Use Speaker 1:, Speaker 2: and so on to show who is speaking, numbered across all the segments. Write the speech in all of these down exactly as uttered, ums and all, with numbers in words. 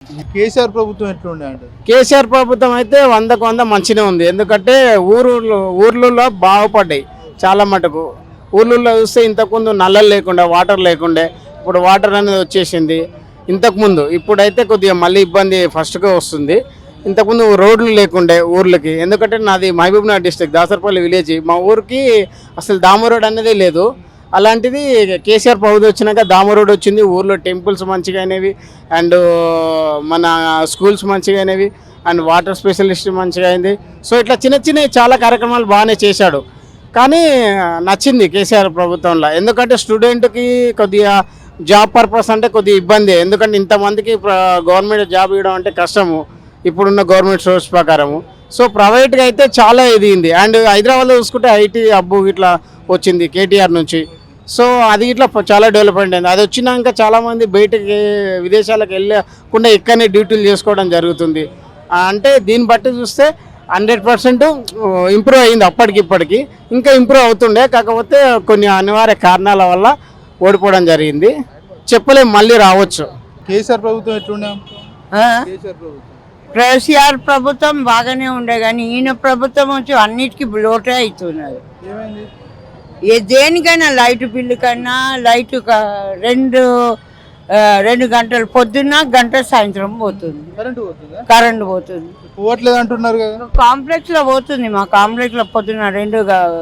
Speaker 1: కేసీఆర్ ప్రభుత్వం ఎట్లుండే అంటే?
Speaker 2: కేసీఆర్ ప్రభుత్వం అయితే వందకు వంద మంచిగా ఉంది. ఎందుకంటే ఊరు ఊర్లలో బాగుపడ్డాయి చాలా మటుకు. ఊర్లలో చూస్తే ఇంతకుముందు నల్లలు లేకుండా వాటర్ లేకుండే, ఇప్పుడు వాటర్ అనేది వచ్చేసింది. ఇంతకుముందు ఇప్పుడైతే కొద్దిగా మళ్ళీ ఇబ్బంది ఫస్ట్గా వస్తుంది. ఇంతకుముందు రోడ్లు లేకుండే ఊర్లకి. ఎందుకంటే నాది మహబూబ్నగర్ డిస్ట్రిక్ట్ దాసరపల్లి విలేజ్. మా ఊరికి అసలు దామ రోడ్ అనేది లేదు. అలాంటిది కేసీఆర్ ప్రభుత్వం వచ్చినాక దామ రోడ్ వచ్చింది. ఊర్లో టెంపుల్స్ మంచిగా అయినవి, అండ్ మన స్కూల్స్ మంచిగా అయినవి, అండ్ వాటర్ స్పెషలిస్ట్ మంచిగా అయింది. సో ఇట్లా చిన్న చిన్న చాలా కార్యక్రమాలు బాగానే చేశాడు. కానీ నచ్చింది కేసీఆర్ ప్రభుత్వంలో. ఎందుకంటే స్టూడెంట్కి కొద్దిగా జాబ్ పర్పస్ అంటే కొద్దిగా ఇబ్బంది. ఎందుకంటే ఇంతమందికి గవర్నమెంట్ జాబ్ ఇవ్వడం అంటే కష్టము ఇప్పుడున్న గవర్నమెంట్ సోర్స్ ప్రకారము. సో ప్రైవేట్గా అయితే చాలా ఎదిగింది. అండ్ హైదరాబాద్లో చూసుకుంటే ఐటీ హబ్బు ఇట్లా వచ్చింది కేటీఆర్ నుంచి. సో అది ఇట్లా చాలా డెవలప్మెంట్ అయింది. అది వచ్చినాక చాలామంది బయటకి విదేశాలకు వెళ్ళకుండా ఇక్కడనే డ్యూటీలు చేసుకోవడం జరుగుతుంది. అంటే దీన్ని బట్టి చూస్తే హండ్రెడ్ పర్సెంట్ ఇంప్రూవ్ అయింది అప్పటికిప్పటికి. ఇంకా ఇంప్రూవ్ అవుతుండే, కాకపోతే కొన్ని అనివార్య కారణాల వల్ల ఓడిపోవడం జరిగింది. చెప్పలేము, మళ్ళీ రావచ్చు.
Speaker 1: కేసీఆర్ ప్రభుత్వం ఎట్లుండే? కేసీఆర్ ప్రభుత్వం
Speaker 3: కేసీఆర్ ప్రభుత్వం బాగానే ఉండే, కానీ ఈయన ప్రభుత్వం వచ్చి అన్నిటికీ లోటే అవుతున్నది.
Speaker 1: ఏమైంది?
Speaker 3: ఏ దేనికైనా లైట్ బిల్లు కన్నా లైట్ రెండు రెండు గంటలు పొద్దున్న గంట సాయంత్రం పోతుంది,
Speaker 1: కరెంటు పోతుందా?
Speaker 3: కరెంటు పోతుంది.
Speaker 1: పోవట్లేదు అంటున్నారు కదా.
Speaker 3: కాంప్లెక్స్ లో పోతుంది, మా కాంప్లెక్స్ లో పొద్దున్న రెండు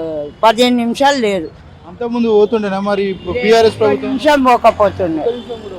Speaker 3: పదిహేను నిమిషాలు లేదు.
Speaker 1: అంతకుముందు పోతుండేనా మరి? ఇప్పుడు బీఆర్ఎస్ ప్రభుత్వం
Speaker 3: నిమిషం పోకపోతుండే.